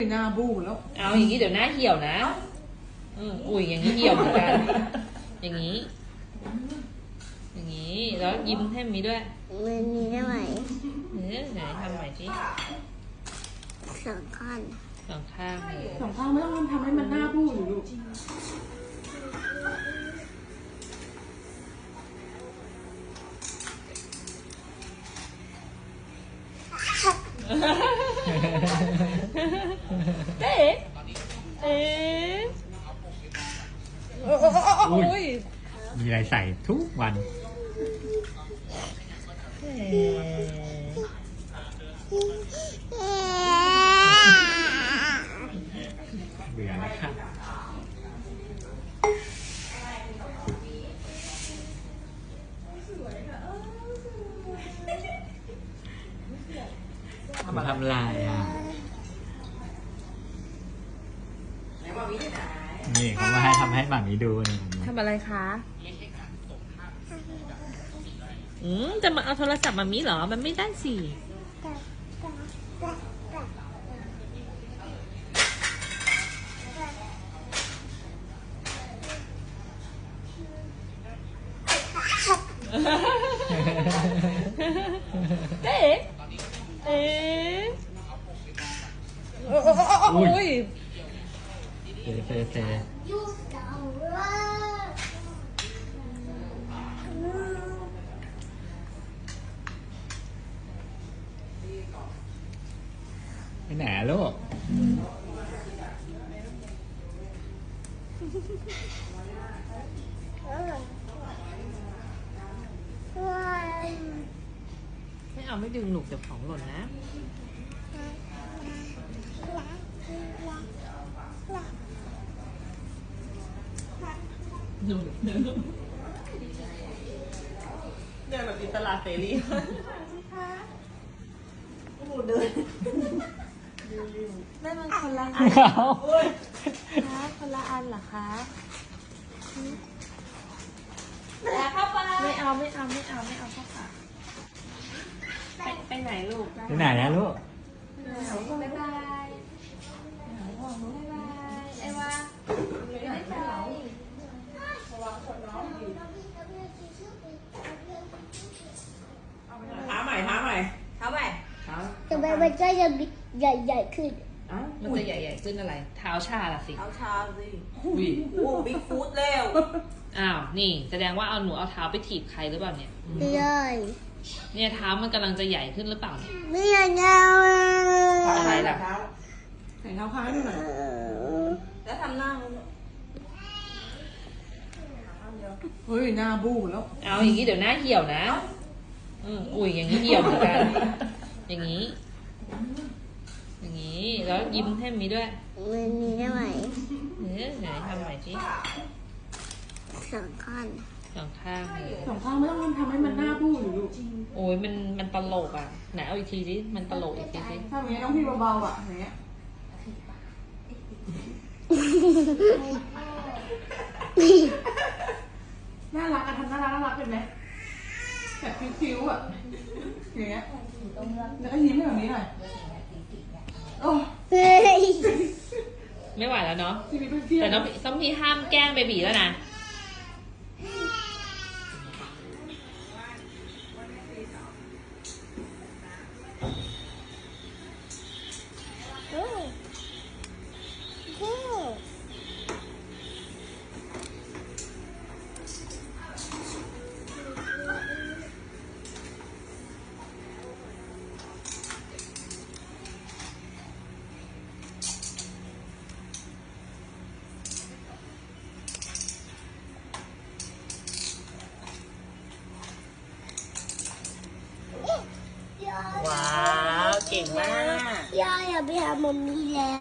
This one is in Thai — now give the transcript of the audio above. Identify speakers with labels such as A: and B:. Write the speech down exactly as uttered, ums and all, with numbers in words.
A: หน้าบู้แล้ว
B: เอาอย่างนี้เดี๋ยวหน้าเหี่ยวนะอืมอุ้ยอย่างนี้เหี่ยวเหมือนกันอย่างนี้อย่างนี้แล้วยิ้มให้มีด้วย
C: มันมีได้ไหม
B: เออไหนทำใหม่สิ
C: สองข้าง
B: สองข้างเลย
A: สองข้างไม่ต้องทำให้มันหน้าบู้อยู่ลูก
B: เอ๊ะเอ๊ะโอ้ย
D: มีอะไรใส่ทุกวันเบื่อแล้วค่ะมาทำลายอ่ะนี่เขามาให้ทำให้หมามีดูนี่
B: ทำอะไรคะอืมจะมาเอาโทรศัพท์มามีเหรอมันไม่ได้สิเอ๊ะเอ๊ะโอ้ย
D: เซ่เซ่เซ่ไปไหนลูก
B: ไม่เอาไม่ดึงหนุกเดี๋ยวของหล่นนะหนุกเดินแบบอิสระเสรีหนูเดินแม่มันคนละอันคะคนละอันเหรอคะแล้วเข้าไปไม่เอาไม่เอาไม่เอาไม่เอาเข้าปากไปไปไหนลูก
D: ไปไหนนะลูก
B: บ๊ายบายบ๊ายบายไอ้วาบ๊ายบายท้าใหม่ท้าใหม่ท้าใหม่ท้า
C: แต่มันมันก็จะใหญ่ใหญ่ขึ้น
B: มันจะใหญ่ๆขึ้นอะไรเท้าชาละสิ
A: เท้าชาสิ
B: อุ้ย
A: โอ้บิ๊กฟูดแล้ว
B: อ้าวนี่แสดงว่าเอาหนูเอาเท้าไปถีบใครหรือเปล่าเนี่ย
C: ไม่ได้
B: เนี่ยเท้ามันกำลังจะใหญ่ขึ้นหรือเปล่าเนี่ย
C: ไม่ใหญ่แล้ว
B: อะไรล่ะ
A: ใส่เท้าค้างให้หน่อยแล้วทำหน้าเฮ้ยหน้าบู้แล้ว
B: เอาอย่างนี้เดี๋ยวหน้าเหี่ยวนะอืมอุ้ยอย่างนี้เหี่ยวเหมือนกันอย่างนี้อย่างนี้แล้วยิ้มให้มีด้วย
C: มันมีได้ไหม
B: เออไหนทำใหม่สิ
C: สองข้าง
B: สองข้างเลย
A: สองข้างไม่ต้องทำให้มันหน้าบู้อยู่ลูก
B: โอ้ยมันมันตลกอ่ะไหนเอาอีกทีสิมันตลกอีกทีสิ
A: ทำอย่างนี้ต้องพี่เบาๆอ่ะอย่างเงี้ยน่ารักอะทำน่ารักน่ารักเป็นไหมแบบคิ้วๆอ่ะอย่างเงี้ยแล้วก็ยิ้มแบบนี้หน่อยโอ้
B: ไม่ไหวแล้วเนาะแต่ต้องต้องพี่ห้ามแกล้งเบบีแล้วนะว้าวเก่งมาก
C: ย่าอย่าไปหามัมมี่แล้ว